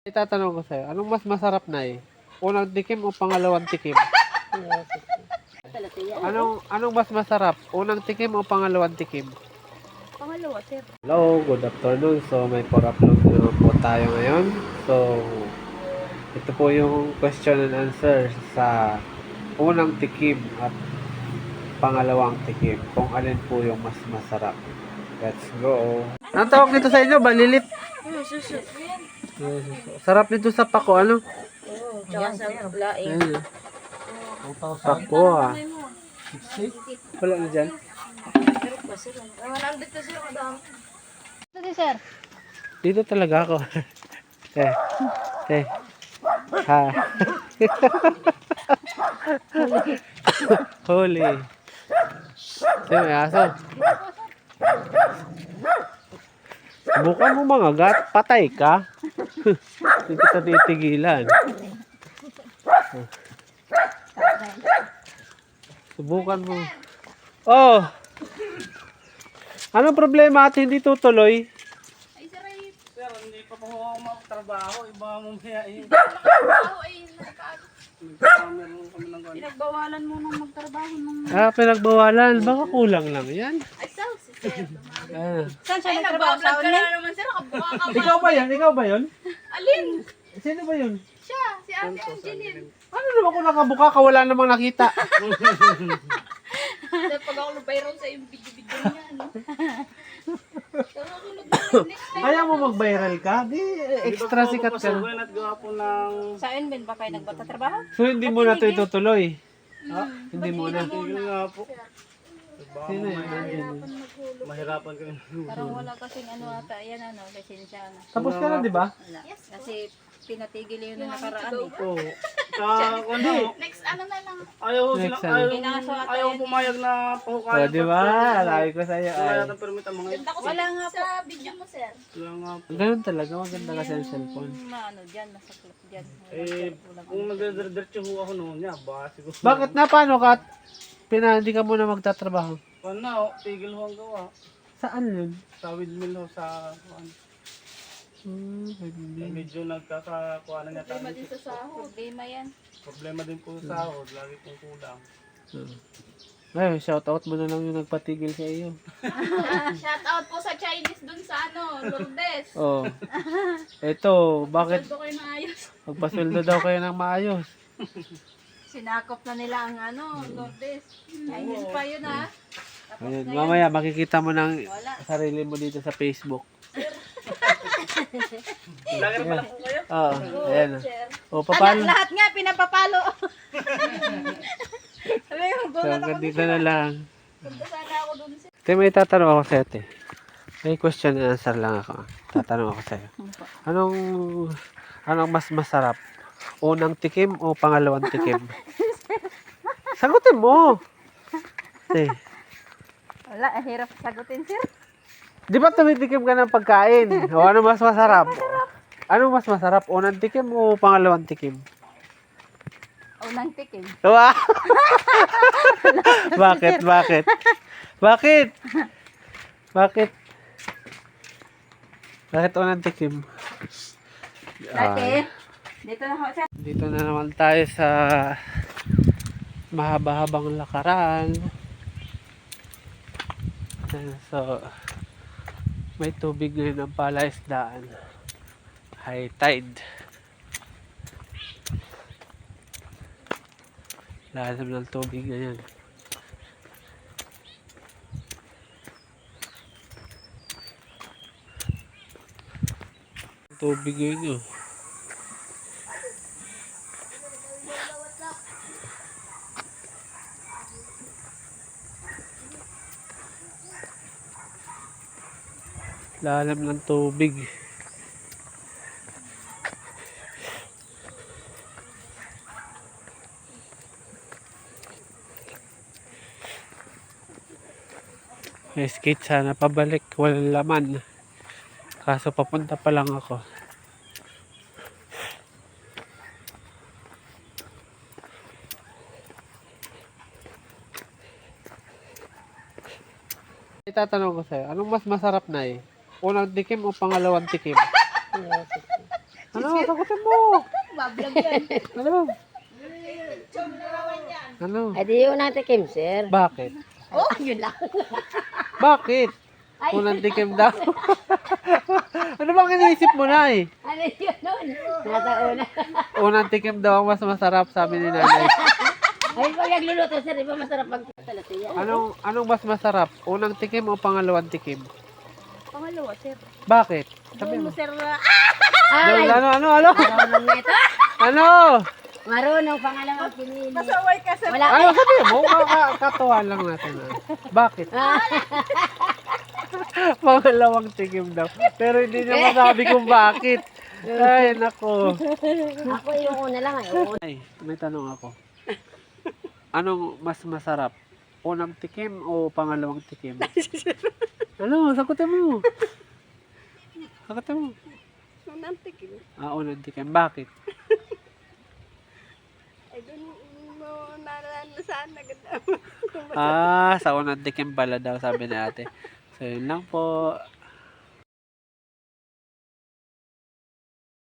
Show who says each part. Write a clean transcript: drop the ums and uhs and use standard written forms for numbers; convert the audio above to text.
Speaker 1: Itatanong ko sa'yo, anong mas masarap na eh? Unang tikim o pangalawang tikim? Anong mas masarap? Unang tikim o pangalawang tikim?
Speaker 2: Pangalawa, sir.
Speaker 1: Hello, good afternoon. So, may for-upload na naman po tayo ngayon. So, ito po yung question and answer sa unang tikim at pangalawang tikim. Kung alin po yung mas masarap. Let's go. Anong tawag nito sa inyo? Balilit?
Speaker 2: Susu.
Speaker 1: Sarap nito sa pako, ano?
Speaker 2: Oo, tsaka sa laing.
Speaker 1: Ayun. Pako, ah. Wala na dyan.
Speaker 2: Pero pa, sir. Nandito, sir. Madami. Ito, sir.
Speaker 1: Dito talaga ako. Ha. Huli. Sino may aso? Subukan mo mga gat, patay ka. Hindi kita titigilan. Subukan mo. Oh! Anong problema at hindi tutuloy?
Speaker 2: Ay, sir, ay.
Speaker 3: Sir, hindi pa po ako magtrabaho. Iba mamaya eh.
Speaker 2: Trabaho ay nakakaano.
Speaker 3: Meron kami ng gano'n.
Speaker 2: Pinagbawalan mo nung magtrabaho nung...
Speaker 1: Pinagbawalan. Baka kulang lang yan.
Speaker 2: Ay, si sir.
Speaker 1: Ah.
Speaker 2: Saan siya nagtrabaho sa online? Ay, nagbablog ka na naman, sir. Kabuka ka ba?
Speaker 1: Ikaw ba yan? Ikaw ba yun?
Speaker 2: Alin?
Speaker 1: Sino ba yun?
Speaker 2: Siya, si Ate Angeline.
Speaker 1: Ano naman kung nakabuka ka, wala namang nakita.
Speaker 2: Sir, pag ako nag-viral sa yung video-video niya, ano? Pero ako next time.
Speaker 1: Ayaw mo mag-viral ka? Di, extra sikat ka.
Speaker 3: Pasukin at gawa po ng...
Speaker 2: Sa Enben ba kayo nagtatrabaho?
Speaker 1: So, hindi mo na ito itutuloy? Hindi mo na.
Speaker 3: Tigil nga po.
Speaker 1: Sino yun?
Speaker 3: Mahirapan kami.
Speaker 2: Parang wala kasing ano ata, yan ano, lisensya na.
Speaker 1: Tapos ka na, di ba?
Speaker 2: Wala. Kasi pinatigil yun nung nakaraan eh.
Speaker 3: Oo. Sa ano,
Speaker 2: Next ano na lang.
Speaker 3: ayaw sila,
Speaker 1: Next ano?
Speaker 3: ayaw pumayag na
Speaker 1: O,
Speaker 3: pahukayan.
Speaker 1: di ba? Alawi ko sa'yo.
Speaker 3: Wala
Speaker 1: Ay.
Speaker 3: yata permit ang mga ito.
Speaker 2: Wala nga po. Sa video mo, sir.
Speaker 3: Wala nga po.
Speaker 1: Ganun talaga. Maganda kasi ang cellphone.
Speaker 2: Ano dyan, masaklap dyan.
Speaker 3: Kung nagdiretso ho ako noon, ya, baka siguro.
Speaker 1: Bakit na? Paano ka? Hindi ka muna magtatrabaho.
Speaker 3: Ano, tigil ho ang gawa.
Speaker 1: Saan yun?
Speaker 3: Sa windmill ho, sa ano.
Speaker 1: Hindi.
Speaker 3: Medyo nagkakakuha na niya tayo.
Speaker 2: Sa sahod. Problema yan.
Speaker 3: Problema din po sa sahod, lagi pong kulang.
Speaker 1: Ay, shoutout mo na lang yung nagpatigil sa iyo.
Speaker 2: Shout out po sa Chinese dun sa ano, Lourdes.
Speaker 1: Oh. Eto, bakit
Speaker 2: Sweldo kayo na ayos.
Speaker 1: magpasweldo daw kayo ng maayos?
Speaker 2: Sinakop na nila ang ano, Lourdes. Chinese pa yun ha. Tapos
Speaker 1: Ayun,
Speaker 2: ngayon,
Speaker 1: mamaya makikita mo ng
Speaker 2: wala.
Speaker 1: sarili mo dito sa Facebook.
Speaker 3: Lagi pala po kayo.
Speaker 1: Oo, ayan.
Speaker 2: Sir.
Speaker 1: O, paano?
Speaker 2: Lahat nga pinapapalo. Sabi ko,
Speaker 1: So,
Speaker 2: gulat ako.
Speaker 1: hanggang dito na lang.
Speaker 2: Punta sana ako dun sir.
Speaker 1: Ate, may tatanong ako sa'yo, ate. May question and answer lang ako. Tatanong ako sa'yo. Anong mas masarap? Unang tikim o pangalawang tikim? Sagutin mo! Ate,
Speaker 2: Wala, hirap sagutin sir.
Speaker 1: di ba tumitikim ka ng pagkain? O ano mas masarap? Ano mas masarap? Unang tikim o pangalawang tikim?
Speaker 2: Unang tikim.
Speaker 1: Wow! Bakit? Bakit? Bakit? Bakit? Bakit unang tikim?
Speaker 2: Dati, dito na ako sir.
Speaker 1: Dito na naman tayo sa mahaba-habang lakaran. Ayan, so, may tubig ngayon ang palaisdaan. High tide. Lalim ng tubig ngayon. Tubig ngayon oh. Lalim ng tubig. May skate sana pabalik, walang laman. Kaso papunta pa lang ako. Itatanong ko sa'yo, anong mas masarap na eh? Unang tikim o pangalawang tikim? Ano? Sagutin mo.
Speaker 2: Bablog yan.
Speaker 1: Ano? Ano?
Speaker 4: Ay, di yun natin, Kim, sir.
Speaker 1: Bakit?
Speaker 4: Oh, yun lang.
Speaker 1: Bakit?
Speaker 4: Ay.
Speaker 1: Unang tikim daw. Ano bang iniisip mo na eh?
Speaker 4: Ano yun nun? Nasa una.
Speaker 1: Unang tikim daw ang mas masarap, sabi ni nanay.
Speaker 4: Ay, pag nagluluto, sir, di ba masarap pag talasiya?
Speaker 1: Anong mas masarap? Unang tikim o pangalawang tikim?
Speaker 2: Pangalawa, sir.
Speaker 1: Bakit? Sabi
Speaker 2: Doon
Speaker 1: mo.
Speaker 2: mo, sir.
Speaker 4: Ay,
Speaker 1: Ano?
Speaker 4: marunong na ito.
Speaker 1: Ano?
Speaker 4: Marunong, pangalawang pinili.
Speaker 2: Masaway ka, sir.
Speaker 4: Wala.
Speaker 1: Ano sabi mo? Katuwa lang natin. Bakit? Pangalawang tikim daw. Pero hindi niya masabi kung bakit. Ay, nako.
Speaker 4: Ako yung una lang, ay. Oo.
Speaker 1: Ay, may tanong ako. Anong mas masarap? Unang tikim o pangalawang tikim? Ano? Sagutin mo. Sagutin mo.
Speaker 2: Unang tikim.
Speaker 1: Unang tikim. Bakit?
Speaker 2: Ay, doon mo naranasan na ganda.
Speaker 1: Sa unang tikim pala daw, sabi ni ate. So, yun lang po.